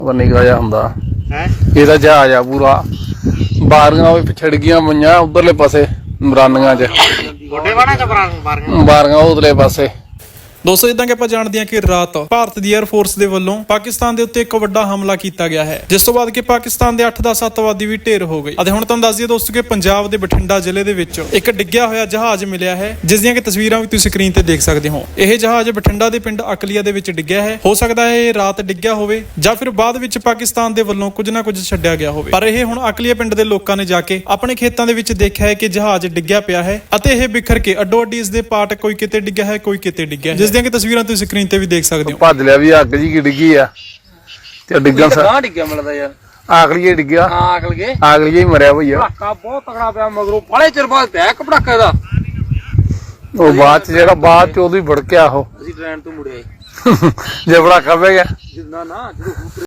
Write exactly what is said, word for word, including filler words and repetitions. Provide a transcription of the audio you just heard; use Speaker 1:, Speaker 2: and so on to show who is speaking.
Speaker 1: ਨਿਕਾ ਜਾ ਹੁੰਦਾ
Speaker 2: ਹੈ
Speaker 1: ਇਹਦਾ ਜਹਾਜ਼ ਆ ਪੂਰਾ। ਬਾਰੀਆਂ ਵੀ ਪਿਛੜ ਗਈਆਂ ਪਈਆਂ ਉਧਰਲੇ ਪਾਸੇ ਮਰਾਨੀਆਂ ਚ,
Speaker 2: ਗੋਡੇ ਵਾਣਾ ਚ ਬਾਰੀਆਂ
Speaker 1: ਬਾਰੀਆਂ ਉਧਰਲੇ ਪਾਸੇ।
Speaker 3: ਦੋਸਤੋ ਜਿੱਦਾਂ ਕਿ ਆਪਾਂ ਜਾਣਦੇ ਹਾਂ ਕਿ ਰਾਤ ਭਾਰਤ ਦੀ 에ਅਰ ਫੋਰਸ ਦੇ ਵੱਲੋਂ ਪਾਕਿਸਤਾਨ ਦੇ ਉੱਤੇ ਇੱਕ ਵੱਡਾ ਹਮਲਾ ਕੀਤਾ ਗਿਆ ਹੈ, ਜਿਸ ਤੋਂ ਬਾਅਦ ਕਿ ਪਾਕਿਸਤਾਨ ਦੇ ਅੱਠ ਦਸ ਅੱਤਵਾਦੀ ਵੀ ਢੇਰ ਹੋ ਗਏ। ਅਤੇ ਹੁਣ ਤੁਹਾਨੂੰ ਦੱਸ ਦਈਏ ਦੋਸਤੋ ਕਿ ਪੰਜਾਬ ਦੇ ਬਠਿੰਡਾ ਜ਼ਿਲ੍ਹੇ ਦੇ ਵਿੱਚ ਇੱਕ ਡਿੱਗਿਆ ਹੋਇਆ ਜਹਾਜ਼ ਮਿਲਿਆ ਹੈ, ਜਿਸ ਦੀਆਂ ਕਿ ਤਸਵੀਰਾਂ ਵੀ ਤੁਸੀਂ ਸਕਰੀਨ ਤੇ ਦੇਖ ਸਕਦੇ ਹੋ। ਇਹ ਜਹਾਜ਼ ਬਠਿੰਡਾ ਦੇ ਪਿੰਡ ਅਕਲੀਆ ਦੇ ਵਿੱਚ ਡਿੱਗਿਆ ਹੈ। ਹੋ ਸਕਦਾ ਹੈ ਇਹ ਰਾਤ ਡਿੱਗਿਆ ਹੋਵੇ ਜਾਂ ਫਿਰ ਬਾਅਦ ਵਿੱਚ ਪਾਕਿਸਤਾਨ ਦੇ ਵੱਲੋਂ ਕੁਝ ਨਾ ਕੁਝ ਛੱਡਿਆ ਗਿਆ ਹੋਵੇ, ਪਰ ਇਹ ਹੁਣ ਅਕਲੀਆ ਪਿੰਡ ਦੇ ਲੋਕਾਂ ਨੇ ਜਾ ਕੇ ਆਪਣੇ ਖੇਤਾਂ ਦੇ ਵਿੱਚ ਦੇਖਿਆ ਹੈ ਕਿ ਜਹਾਜ਼ ਡਿੱਗਿਆ ਪਿਆ ਹੈ ਅਤੇ ਇਹ ਬਿਖਰ ਕੇ ਅੱਡੋ ਅੱਡੀ ਇਸ ਦੇ ਪਾਰਟ ਕੋਈ ਕਿਤੇ ਡਿੱਗਿਆ ਹੈ, ਕੋਈ ਕਿਤੇ ਡਿੱਗਿਆ ਹੈ, ਜਿਸ ਦੀਆਂ ਕਿ ਤਸਵੀਰਾਂ ਤੁਸੀਂ ਸਕਰੀਨ ਤੇ ਵੀ ਦੇਖ ਸਕਦੇ ਹੋ।
Speaker 1: ਭੱਜ ਲਿਆ ਵੀ ਅੱਗ ਜੀ ਡਿੱਗੀ ਆ ਤੇ ਡਿੱਗਣ
Speaker 2: ਗਾਂ ਡਿੱਗਿਆ ਮਿਲਦਾ ਯਾਰ,
Speaker 1: ਆਖਲੀਏ ਡਿੱਗਿਆ,
Speaker 2: ਹਾਂ ਆਕਲ ਗਏ
Speaker 1: ਆਖਲੀਏ ਹੀ ਮਰਿਆ ਭਈਆ।
Speaker 2: ਪੜਾਕਾ ਬਹੁਤ ਤਗੜਾ ਪਿਆ ਮਗਰੋਂ, ਬੜੇ ਚਿਰ ਬਾਅਦ ਪਿਆ ਇੱਕ ਪੜਾਕੇ ਦਾ।
Speaker 1: ਉਹ ਬਾਅਦ ਚ ਜਿਹੜਾ ਬਾਅਦ ਚ ਉਦੋਂ ਹੀ ਭੜਕਿਆ ਉਹ
Speaker 2: ਅਸੀਂ ਟ੍ਰੇਨ ਤੋਂ ਮੁੜੇ
Speaker 1: ਜੇ ਪੜਾਕਾ ਪੈ ਗਿਆ
Speaker 2: ਜਿੰਨਾ ਨਾ ਜਦੋਂ